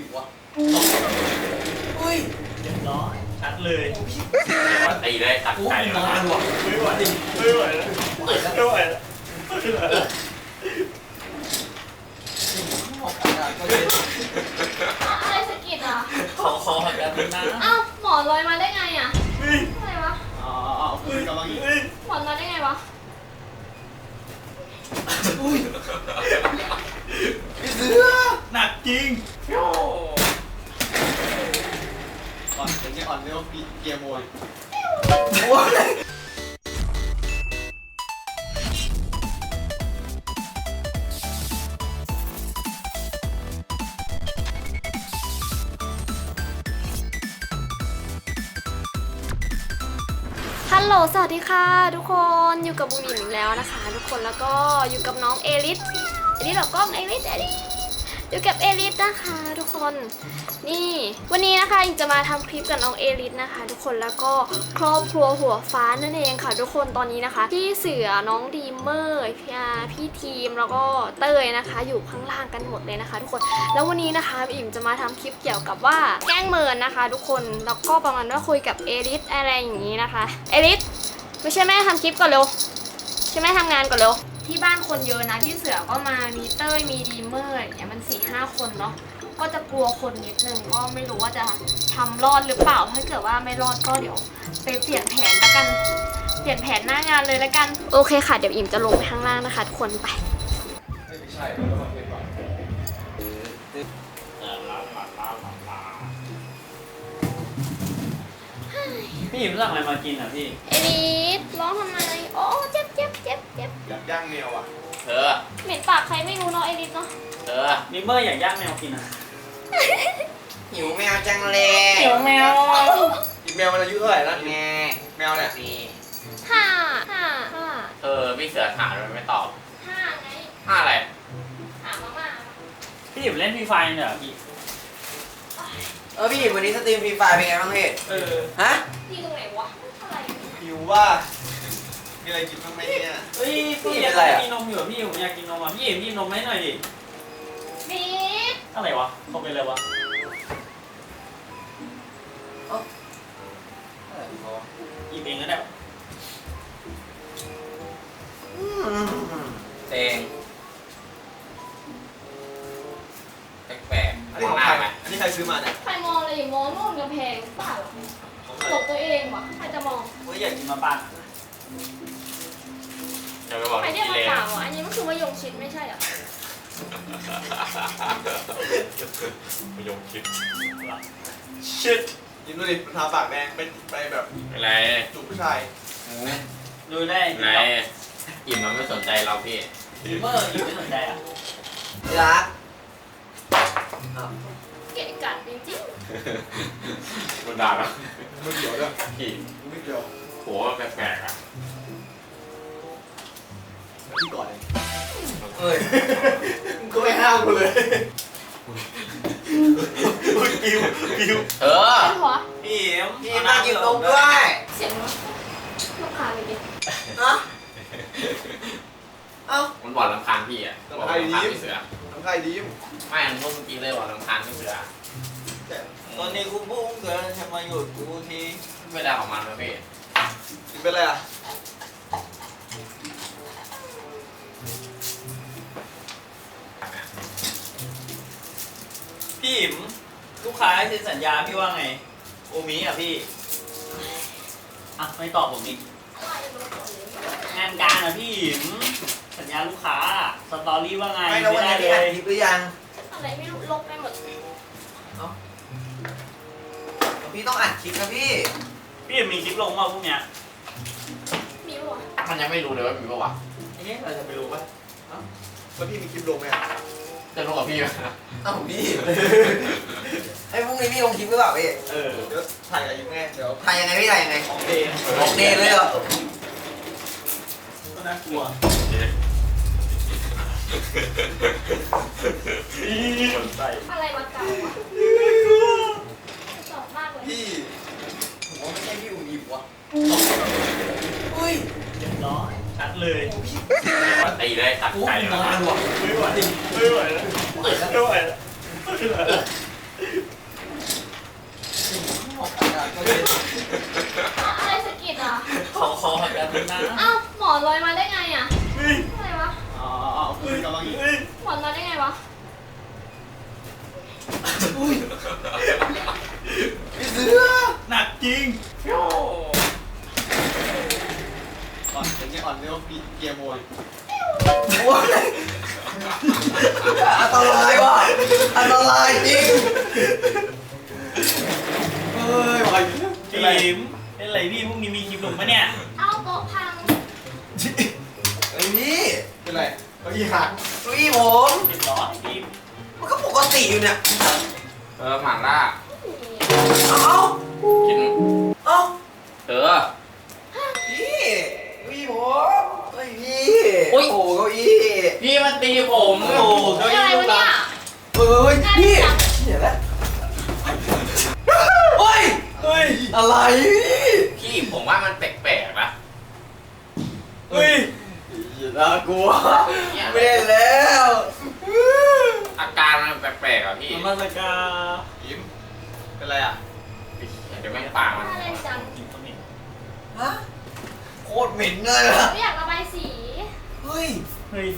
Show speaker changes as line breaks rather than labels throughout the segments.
วะอุ้ย
เรียบร้อยชัดเลย
ว่าตีได้ตัดใจเลย
นานว่ะ
ไม่ไหวไม่ไหวแล้วไม่ไหวแล้ว
อะไรสะกิดอ่ะ
ขอหักแบบนั้นนะ
เอ้าหมอนลอยมาได้ไงอ่ะอะไรวะ
อ๋อคุยกับมังอีก
หมอนมาได้ไงวะ
อุ้ยพี่เสือ
หนักจริง
อ่อนเป็นไงอ่อนเรียกว่าเกียร์โมยโอ้ย
ฮัลโหลสวัสดีค่ะทุกคนอยู่กับบูมอีกแล้วนะคะทุกคนแล้วก็อยู่กับน้องเอลิสหรอกล้องเอลิสอยู่กับเอลิสนะคะทุกคนนี่วันนี้นะคะอิงจะมาทำคลิปกับน้องเอลิสนะคะทุกคนแล้วก็ครอบครัวหัวฟ้านั่นเองค่ะทุกคนตอนนี้นะคะพี่เสือน้องดีมเมอร์พี่ทีมแล้วก็เต้ยนะคะอยู่ข้างล่างกันหมดเลยนะคะทุกคนแล้ววันนี้นะคะอิงจะมาทำคลิปเกี่ยวกับว่าแกล้งเมินนะคะทุกคนแล้วก็ประมาณว่าคุยกับเอลิสอะไรอย่างนี้นะคะเอลิสไม่ใช่แม่ทำคลิปก่อนเร็วใช่แม่ทำงานก่อนเร็วที่บ้านคนเยอะนะพี่เสือก็มามีเต้ยมีดีมเมอร์อย่างเงี้ยมัน 4-5 คนเนาะก็จะกลัวคนนิดนึงก็ไม่รู้ว่าจะทำรอดหรือเปล่าถ้าเกิดว่าไม่รอดก็เดี๋ยวไปเปลี่ยนแผนละกันเปลี่ยนแผนหน้างานเลยละกันโอเคค่ะเดี๋ยวอิมจะลงไปข้างล่างนะคะทุกคนไป
ไม่ใช่เราต้องเก็บก่อน
พี่หยิบสั่งอะไรมากินอ่ะพี่
เอลิสร้องทำไมโอ้เจ็บ
อยากย่างแมวอ่ะ
เธอ
เหม็นปากใครไม่รู้เนาะเอลิสเนาะ
นิมเมอร์อยากย่างแมวกินอ่ะ
หิวแมวจังเลย
หิวแมว
อีแมวมันอายุเท่าไหร่แล้ว
แม่
แมวเนี่ย
นี่
ห้า
พี่เสือถามมันไม่ตอบ
ไง
อะไร
หามาม่า
พี่หยิบเล่นฟรีไฟเนี่ยเหรอพี่
พี่วันนี้สตรีมฟรีไฟเป็นไงบ้างพี่ฮะ
ที่ตรงไหนวะอะไร
หิวว่ามีอะไรกินบ้างไหมเนี่ย
เฮ้ยพี่อยากกินนมอยู่พี่ผมอยากกินนมอ่ะพี่หยิบนมให้หน่อยดิ
บีบ
อะไรวะเขาเป็นอะไรวะหยิบเองก็ได้
เตงแปลก
อันนี้ของใครไหมอันนี้ใครซื้อมาเนี่ย
ใครมองอะไรอย่ามองนู่นกำแพงเปล่าหลบตัวเองวะใครจะมอง
เฮ้ยอยากกินมาปั่น
จะไปบอก
ใครเรียก
กิ
มา
เล
เปล่าอันนี้มันคือมะยงชิดไม่ใช่เหรอ
ไม่ยงคิด
ชิตยิ้มดูดิทาปากแดงไปแบบ
อะไร
จูบผู้ชาย
ดูได้
ไหนอิ่มมันไม่สนใจเราพี่
นิมเมอร์อยู่ไม่สนใจอ่ะ
รัก
เกะกัดจริง
มันด่าเรา
ไม่เกี่ยวด้วย
พี่
ไม่เกี่ยว
โหแปลกๆอ่ะ
พี่ก่อนเอง
เอ้ย
มึงก็ไม่ห้ามกูเลยปิว
เธอ
ๆเป็นหัว
พี่เอ็ม
พี่มากินนมด้วย
เสียงลูกค้าเลยดิ
ฮะเอ้า
มันบอกรำคาญพี่อ่ะบอกรำคาญพี่เสือ
ทำใครดีม
ไม่มันงงจริงเลยบอกรำคาญพี่เสือ
ตอนนี้กูพุ่งเกินทำไมหยุดกูที
เวลาของมันนะพี่
กินเป็นไรอ่ะ
พี่หิมลูกค้าเซ็นสัญญาพี่ว่าไงโอมิอ่ะพี่อ่ะไม่ตอบผมอีกงานการอ่ะพี่หิมสัญญาลูกค้าสตอรี่ว่าไง
ไม่แล้ววันนี้พี่อัดคลิปหรือยัง
อะไรไม่รู้ลบไปหมด
พี่ต้องอัดคลิปนะพี่
พี่หิมมีคลิปลงมาพวกเนี้ย
มีหัว
มันยังไม่รู้เลยว่ามีปะวะ
เอ๊ะเราจะไปรู้ปะ
แล้วพี่มีคลิปลงไหมอ่ะ
จะรู้กับพี่ไหม
เอ้าพี่ไอ้พรุ่งนี้พี่ลงคลิปหรือเปล่าพี่
เออ
เดี๋ยวถ่ายกับยิ้มไงเดี๋ยว
ถ่ายยังไงพี่ถ่ายยังไง
ของเดน
ออกเดทเลยเหรอ
ก็น่ากลัว สนใจ
อะไรมาเก่าวะสอบมากเลย
พี่
ผมว่าไม่ใช่พี่อุ่นอิ่มวะอุ้ย
เรียบร้อยชัดเลย
ว่าตีได้ตัดใจเลย
นานว่ะ
ไม่ไหวแล้วไม่ไหวแล้วนะ
เอ้าหมอนลอยมาได้ไงอ่ะ
เฮ้ย
อะไรวะ
อ๋อคุยกันบ้างอีก
เฮ้ย
หมอนมาได้ไงวะ
พี่เสือ
หนักจริง
อ่อนอย่างเงี้ยอ่อนเรียกว่าเกียร์มวย
โอ้ยอันตรายว่ะอันตรายจริงเฮ้ยไป
จิ๋มเป็นไรพี่พรุ่งนี้มีคลิปลงปะเนี่ย
เอาโต๊ะพัง
ไอ้นี่
เป็นไรเก้าอี้หัก
เก้าอี้ผม
เรียบร้อยจิ๋ม
มันก็ปกติอยู่เนี่ย
หม่าล่า
เอ้า
กิน
เอ้า
พี่
พี่ผมเฮ้ยพี่โอ้โหเก้าอี้
พี่มันตีผม
โอ้โหเก้า
เป็น
อี้
อะไร
ลูก
วะ
รั
เนี่ย
ก
เฮ้ยพี่เหี้ยแล้วเฮ้ย
เฮ้ย
อะไร
พี่ผมว่ามันแปลกๆนะ
เฮ้ย
น่ากลัว
เนี่ย
ไม่ได้แล้ว
อาการมันแปลกๆอ่ะพี่
มาสกา
ยิ้มเป็นไรอ่ะ
เดี๋ยวแม่งปากมัน
อะไรจัง
จิ๋มต้องเห็น
ฮะโคตรเหม็นเลยอะ
ไม่อยากระบายสี
เฮ้ย
เฮ้ย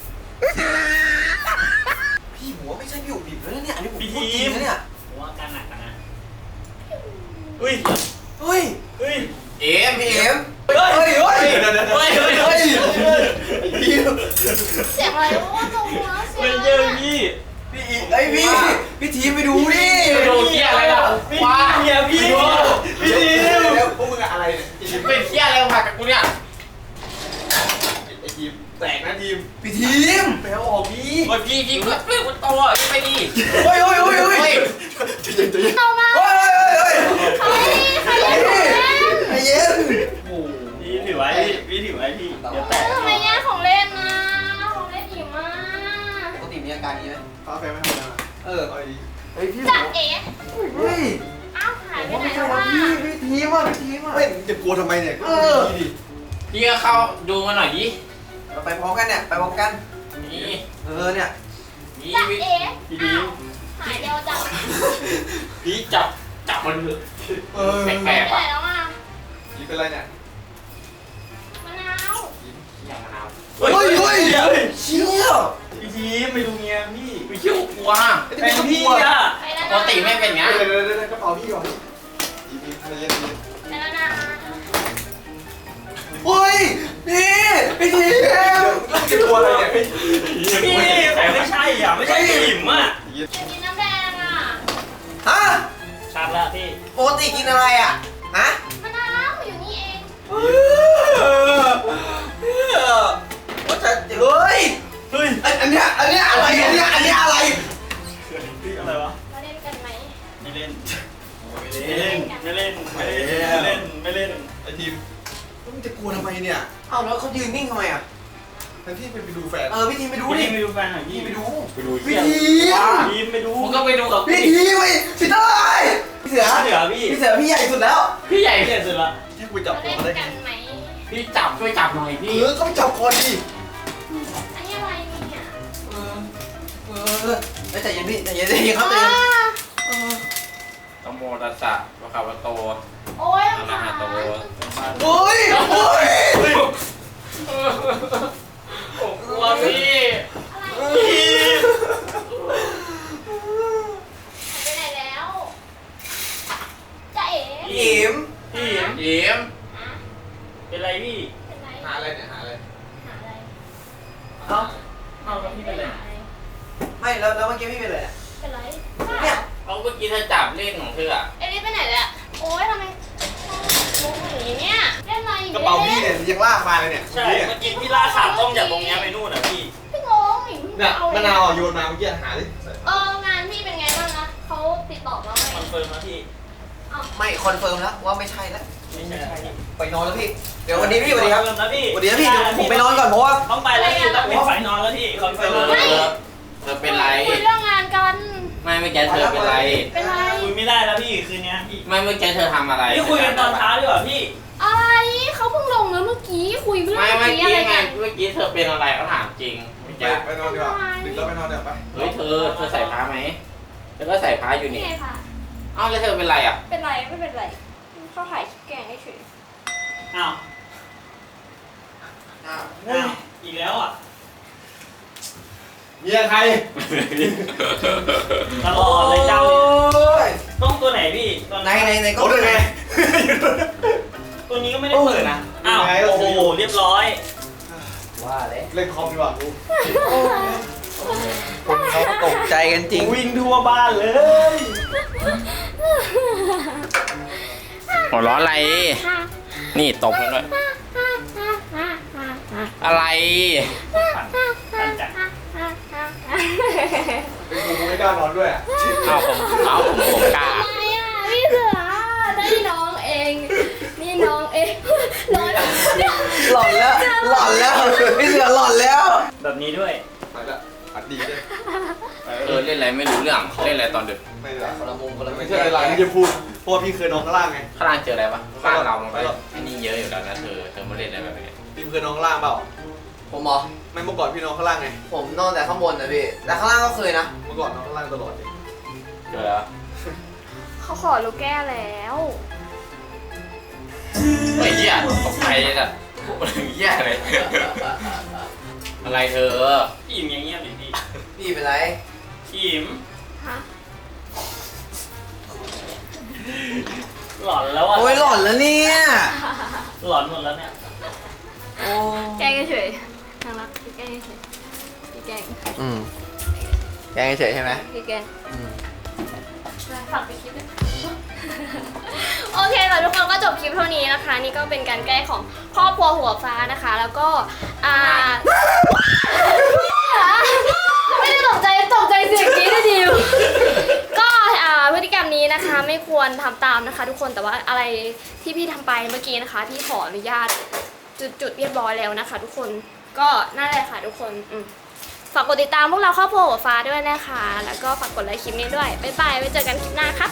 พี่หัวไม่ใช่พี่อุ๋บิบแล้วเนี่ยอันนี้ผม
พี่
พูด
ที
จริง
ม
นะเนี่ย
ผมว่าอาการหนักนะเฮ้ย
เฮ้ย
เฮ้ย
เอ็ม
พี่
พี่
เอ็
เอ็
ม
ม
เฮ้ยเฮ้ยเฮ้ย
เฮ้ยเฮ้ย
เฮ้ยพี่
เสียงอะไรวะตรงหัวเสีย
เฮ้ย
ง
เย
อะ
อะ
ไร
พี่
พี่ไอยพี่ทีมไปดูดิ
โดนเหี้ยอะไรล่ะ
พี่
ว้า
เฮียพี่พี่ทีม
แล้วพวกมึงอะไรเนี่ยทีม
เป็นเหี้ยอะไรมากับกูเนี่ย
ไอ้ทีมแตกนะทีม
พี่ทีมไปเอาออกพี่
โอ้ยพี่ก็เรื่องมันโตอ่ะพี่ไปดิ
เฮ้ยเฮ้ยเฮ้ยเฮ้ย
เฮ้ย
เอามา
เฮ้ยเฮ้ย
ใครเล่นของเล่น
ใจเย็น
โอ้
พี่ถือไว้พี่ถือไว้พี่เดี๋ยวแตก
ทำไมแย่งของเล่นนะของเล่นอิ่มมาก
ปกติมีอาการนี้ไหม
ฟ้าแฟนไม่ทำงาน
เออ
เอาดี
เฮ้ยพี่
จัดเอ๋
เฮ้ย
เอ้าหายไป
ผม
ไหน
ไม่ใช่
แล้ว
ว่ะ
วะ
พี่ทีมอ่ะพี่ทีมอ่ะ
ไม่จะกลัวทำไมเนี่ยก็ดีดิ
พี่ก็เข้าดูมาหน่อยดิ
เราไปพร้อมกันเนี่ยไปพร้อมกัน
นี่
เนี่ย
นี่
จัดเอ๋
พี่ทีม
หายเดียวจัง
พี่จับมันเถอะ
เออ
แป
ไป
ลกๆ
ไหน
อ่ะ
แล้วอ่ะ
ยิ้มเป็นไรเนี่ย
มะนาว
อย่างมะนาว
เฮ้ยเฮ้ยเชี่ย
พี่ทีมไปดูเมียพี่
ไม่เชื่อกลัว
แฟนพี่อ่ะ
ไปแล้ว
ป
นะ
กติไม่เป็นอย่าง
เดี๋
เงี้
ยวย เดี๋ยวกระเป๋าพี่ก่อนยิ้มใจเย็น
ไปแล้วนะ
เฮ้ยพี่ทีม
จะกลัวอะไรเนี่ย
พี่ไม่ใช่อ่ะไม่ใช่จิ๋มอ่ะ
ยิ้ม
อยากกินน้ำแดงอ่ะ
ฮะ
ชัดแล้วพี่
ปกติกินอะไรอ่ะฮะ
มะนาวอยู่นี่เอง
ว่าจะเฮ้ย
เฮ้ย
อันเนี้ยอะไรอันเนี้ยอะไร
อะไรวะ
มาเล่นกันไหม
ไม่เล่นไม่เล่นไม่เล่นไม่เล่นไม่เล่น
ไอ้ทีมมึงจะกลัวทำไมเนี่ย
เอ้าแล้วเขายืนนิ่งทำไมอ่ะ
แทนที่ไปดูแฟน
พี่ทีมไปดู
พี่
ดิ
ทีมไปดูแฟนหน่อยพี่
พี่ไปดู
ไปดู
พี่
เหี้ย
ทีม
ทีมไปดู
มึงก็ไปดูกับ
พี่
พี่
ทีมไปพี่เต้ยพี่เสือ
เหลือพี่
พี่เสือพี่ใหญ่สุดแล้ว
พี่ใหญ่
เสร็จสุดละ
ที่กูจับ
มา
ตัว
เล่น
มาได้
กันไหม
พี่จับช่วยจับหน่อยพี่
ก็ไปจับคอดิ
อันนี้อะไรเนี่ย
ใจเย็นพี่ใจเย็นใจเย็นครับใจเย็น
ตโมตัสสะวะคาวะโต
โอ้ย
อะระหะโต
โอ้ยโอ้ย
ผมกลัวพี่
ไปไหนแล้วจะเอ๋
อิ๋ม
พี่
เอ็ม
เป็นไรพี่
เป็นไร
หาอะไรเนี่ยหาอะไร
หาอะไร
เอ้า
เอาแล้วพี่เป็นไร
ไม่แล้วเมื่อกี้พี่เป็นอะไร
เป็นไร
เนี่ย
เอาเมื่อกี้เธอจับเล่นของเธออะ
เอลิสไปไหนแล้วโอ้ยทำไมมุกอย่างนี้เนี่ยเล่นอะไรอยู่
กระเป๋าพี่เนี่ยยังลากมาเลยเนี่ย
ใช่เมื่อกี้พี่ล่าขาต้มจากตรงนี้ไปนู่นอ่ะพี่
พี่งงอีก
เนี่ยมะนาวโยนมาเมื่อกี้หาดิ
งานพี่เป็นไงบ้างนะเขาติดต่อมาไหม
คอนเฟิร์มนะพี่
ไม่คอนเฟิร์มแล้วว่าไม่ใช่แล้ว
ไม่ใช่
ไปนอนแล้วพี่เดี๋ยววันนี้พี่สวัสดีครับ
คอนเฟิร์มนะพี่
สวัสดีครับพี่เดี๋ยวผมไปนอนก่อนเพราะว่า
ต้องไปแล้วพี่ต้องปิดไฟนอนแล้วพี่คอนเฟิร์ม
เธอเป็นไร
คุยเรื่องงานกัน
ไม่เมื่อกี้เธอเป็นไร
เป็นไร
คุยไม่ได้แล้วพี่คืนนี้พี่
ไม่เมื่อกี้เธอทำอะไร
นี่คุยกันตอนเช้าดีกว่าพี่
อะไรเขาเพิ่งลงนะเมื่อกี้คุยเรื่อง
ไม่เมื่อ
กี้
กี้
อะไร
ไง
กัน
เมื่อกี้เธอเป็นอะไรเขาถามจริงเมื่อกี้
ไปนอนดีกว่าดึกแล้วไปนอนเดี๋ยวไป
เฮ้ยเธอใส่ผ้าไหมเธอก็ใส่ผ้าอยู่
นี่
นี่
ไงค่ะ
เอ้าแล้วเธอเป็นไรอ่ะ
เป็นไรไม่เป็นไรเขาถ่ายคลิปแกล้งเฉย
อ้าว
อ้าว
อ้าวอีกแล้วอ่ะ
เมียใคร
ตลอดเลยเจ้า
โอ้ย
ต้องตัวไหนพี่ตัว
ในก็
โอ้ยไง
ตัวนี้ก็ไม่ได้เปิดนะอ้าวโอ้โหเรียบร้อย
ว่าเลย
เล่นคอมดีกว่ากู
คนเขาตกใจกันจริง
วิ่งทั่วบ้านเลย
หัวเร้อนอะไร นี่ตบกันด้วยอะไร
ปั่นจักร
เป็นกูไม่กล้านอนด้วยอ่ะ
ผมกล้า
อะไรอ่ะพี่เสือได้น้องเอง นี่น้องเองน้อง
หลอนแล้วหลอนแล้วพี่เสือหลอนแล้ว
แบบนี้ด้วย
ไปละอัดดีด้วย
เล่นอะไรไม่รู้เรื่องเล่นอะไรตอนดึก
ไม่ละ
คนละมุมคนละมุม
ไม่ใช่อะไรที่จะพูดเพราะว่าพี่เคยนอนข้างล่างไง
ข้างล่างเจออะไรปะข้างเราลงไปไอ้นี่เยอะอยู่แล้วนะเธอมาเล่นอะไรแบบนี้
พี่เคยนอนข้างล่างเปล่า
ผมเหรอ
ไม่เมื่อก่อนพี่นอนข้างล่างไง
ผมนอนแต่ข้างบนนะพี่แต่ข้างล่างก็เคยนะ
เมื่อก่อนนอนข้างล่างตลอดเลย
เจอแล้ว
เขาขอลูกแก้แล้ว
เฮ้ยเหี้ยตกใจสัตว์เหี้ยเลยอะไรเธอ
พี่อิ่มอย่างเงี้ยบดิพี่
พี่เป็นไร
พี่อิ่ม
ฮะ
หลอนแล้วอ่ะ
โอ้ยหลอนแล้วเนี่ย
หลอนหมดแล้วเนี่ย
โอ้
แกล้งเฉยๆน่ารักพี่แกล้งเฉยๆพี่แกล้ง
แกงเฉยใช่ไหม
พี่แกล้งฝากไปคลิปด้วย โอเคค่ะทุกคนก็จบคลิปเท่านี้นะคะ นี่ก็เป็นการแก้ของครอบครัวหัวฟ้านะคะ แล้วก็ไม่ได้ตกใจเสียงนี้นะดิวก็พฤติกรรมนี้นะคะไม่ควรทำตามนะคะ ทุกคนแต่ว่าอะไรที่พี่ทำไปเมื่อกี้นะคะพี่ขออนุญาตจุดเรียบร้อยแล้วนะคะ ทุกคนก็นั่นแหละค่ะทุกคนฝากกดติดตามพวกเราครอบครัวหัวฟ้าด้วยนะคะ แล้วก็ฝากกดไลค์คลิปนี้ด้วยบ๊ายบายไว้เจอกันคลิปหน้าครับ